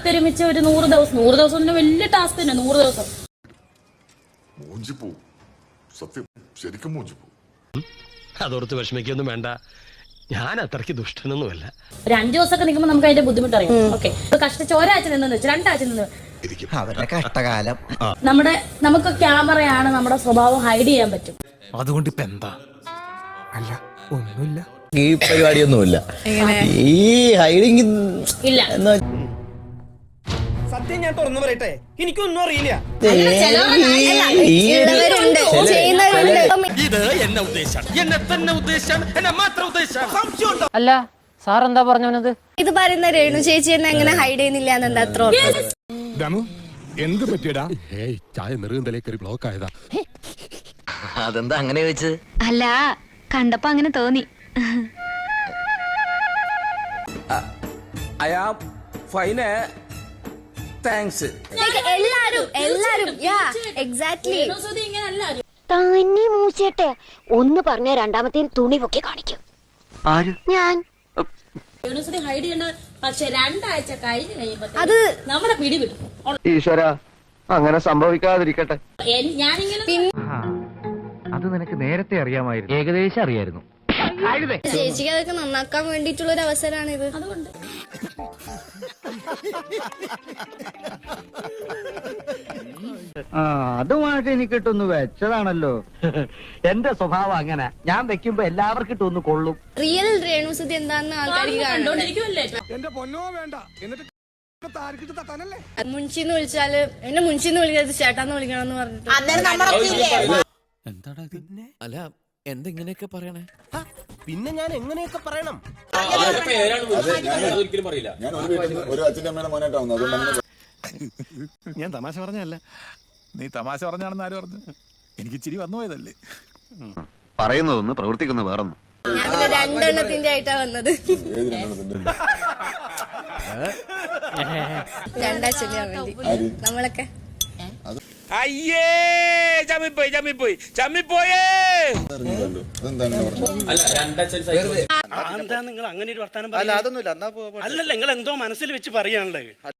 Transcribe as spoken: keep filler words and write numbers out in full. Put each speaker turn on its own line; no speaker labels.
ഒത്തൊരുമിച്ച് ഒരു നൂറ് ദിവസം നൂറ് ദിവസം തന്നെ വലിയ ടാസ്ക് തന്നെ. നൂറ് ദിവസം
സത്യം ശരിക്കും
അതോർത്ത് വിഷമിക്കൊന്നും വേണ്ട, ഞാൻ അത്രയ്ക്ക് ദുഷ്ടനൊന്നുമല്ല.
ഒരു അഞ്ചു ദിവസമൊക്കെ നിൽക്കുമ്പോൾ നമുക്ക് അതിന്റെ ബുദ്ധിമുട്ടറിയാം. ഓക്കെ, കഷ്ടിച്ച് ഒരാഴ്ച നിന്നെന്ന് വെച്ചു, രണ്ടാഴ്ച നിന്ന്
അവരുടെ കഷ്ടകാലം.
നമ്മുടെ നമുക്ക് ക്യാമറയാണ്, നമ്മുടെ സ്വഭാവം ഹൈഡ് ചെയ്യാൻ പറ്റും.
അതുകൊണ്ട് ഇപ്പൊ എന്താ? അല്ല ഒന്നുമില്ല,
ഈ പരിപാടിയൊന്നുമില്ല, ഈ ഹൈഡിങ്
ഇല്ല.
സത്യം ഞാൻ തുറന്നു പറയട്ടെ, എനിക്കൊന്നും അറിയില്ല.
അല്ല സാർ എന്താ പറഞ്ഞത്?
ഇത് പറയുന്ന രേണു ചേച്ചി എന്നെ എങ്ങനെ ഹൈഡ് ചെയ്യുന്നില്ല എന്നെന്താ അത്ര
എന്ത് പറ്റിയടാ?
ചായ നെറുകന്തലേ കയറി ബ്ലോക്ക് ആയതാ.
അതെന്താ അങ്ങനെ ചോദിച്ചത്?
അല്ല, കണ്ടപ്പോ അങ്ങനെ തോന്നി. എല്ലാരും എല്ലാരും എക്സാക്ട്ലി
തന്നെ മൂച്ചേട്ടെ ഒന്ന് പറഞ്ഞ രണ്ടാമത്തെ തുണി പൊക്കി കാണിക്കും. ഞാൻ
ഹൈഡ് ചെയ്യേണ്ട, പക്ഷെ രണ്ടാഴ്ച കഴിഞ്ഞ് കഴിയുമ്പോ
അത്
നമ്മുടെ പിടി വിടും.
ഈശ്വര, അങ്ങനെ സംഭവിക്കാതിരിക്കട്ടെ.
ഞാനിങ്ങനെ
അത് നിനക്ക് നേരത്തെ അറിയാമായിരുന്നു. ഏകദേശം അറിയായിരുന്നു.
ചേച്ചിക്ക് അതൊക്കെ നന്നാക്കാൻ വേണ്ടിയിട്ടുള്ള ഒരു അവസരമാണ് ഇത്.
അതുകൊണ്ട്
അതുമായിട്ട് എനിക്ക് ഇട്ടൊന്ന് വെച്ചതാണല്ലോ. എന്റെ സ്വഭാവം അങ്ങനെ, ഞാൻ വെക്കുമ്പോ എല്ലാവർക്കും ഇട്ടൊന്ന് കൊള്ളും.
റിയൽ രേണുസുതി എന്താന്ന് ആൾക്കാർക്ക്
കണ്ടോണ്ടിരിക്കുമല്ലേ.
മുൻഷിന്ന് വിളിച്ചാല് എന്നെ മുൻഷിന്ന് വിളിക്കരുത്, ചേട്ടാന്ന് വിളിക്കണമെന്ന് പറഞ്ഞിട്ട്.
അല്ല എന്തെങ്ങനെയൊക്കെ പറയണേ?
പിന്നെ ഞാൻ എങ്ങനെയൊക്കെ പറയണം?
ഞാൻ തമാശ പറഞ്ഞല്ല. നീ തമാശ പറഞ്ഞാണെന്ന് ആര് പറഞ്ഞു? എനിക്ക് ചിരി വന്നു പോയതല്ലേ.
പറയുന്നതൊന്ന് പ്രവർത്തിക്കുന്ന വേറൊന്നും.
ഞാൻ പിന്നെ രണ്ടെണ്ണത്തിന്റെ ആയിട്ടാ വന്നത്. രണ്ടാഴ്ച വേണ്ടി നമ്മളൊക്കെ
അയ്യേ, ചമ്മിപ്പോയി ചമ്മിപ്പോയി ചമ്മിപ്പോയേ.
എന്താ നിങ്ങൾ അങ്ങനെ ഒരു വർത്താനം? അല്ലല്ല, നിങ്ങൾ എന്തോ മനസ്സിൽ വെച്ച് പറയാനുള്ളത്.